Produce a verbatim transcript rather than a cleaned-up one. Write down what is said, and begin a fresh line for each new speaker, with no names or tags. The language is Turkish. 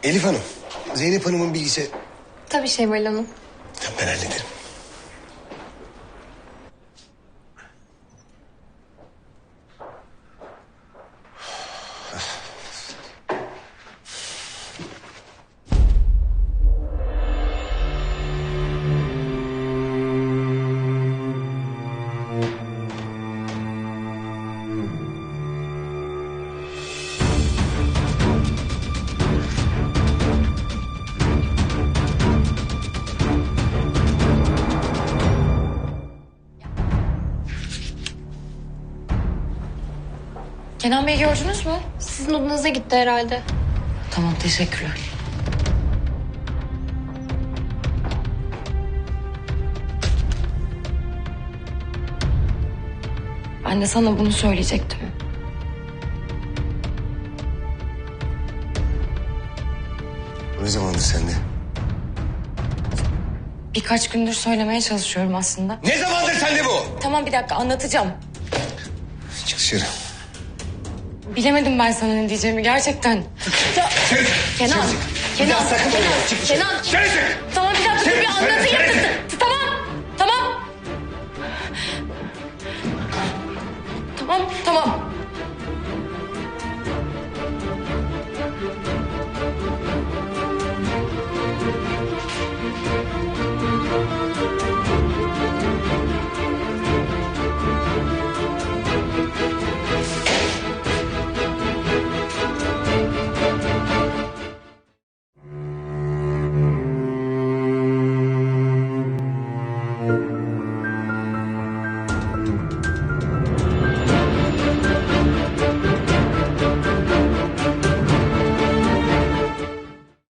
Elif Hanım, Zeynep Hanım'ın bilgisi...
Tabii Şevval Hanım.
Ben hallederim.
Kenan Bey gördünüz mü? Sizin odanıza gitti herhalde.
Tamam, teşekkürler. Ben de sana bunu söyleyecektim.
Ne zamandır sende?
Birkaç gündür söylemeye çalışıyorum aslında.
Ne zamandır sende bu?
Tamam, bir dakika anlatacağım.
Çık dışarı.
Bilemedim ben sana ne diyeceğimi gerçekten. Ya, Kenan, Kenan,
sakın
Kenan,
olma, çık dışarı.
Kenan.
Dışarı çık.
Tamam bir dakika dur
Dışarı,
bir
dışarı,
anlatayım.
dışarı
T- Tamam, tamam. Tamam, tamam.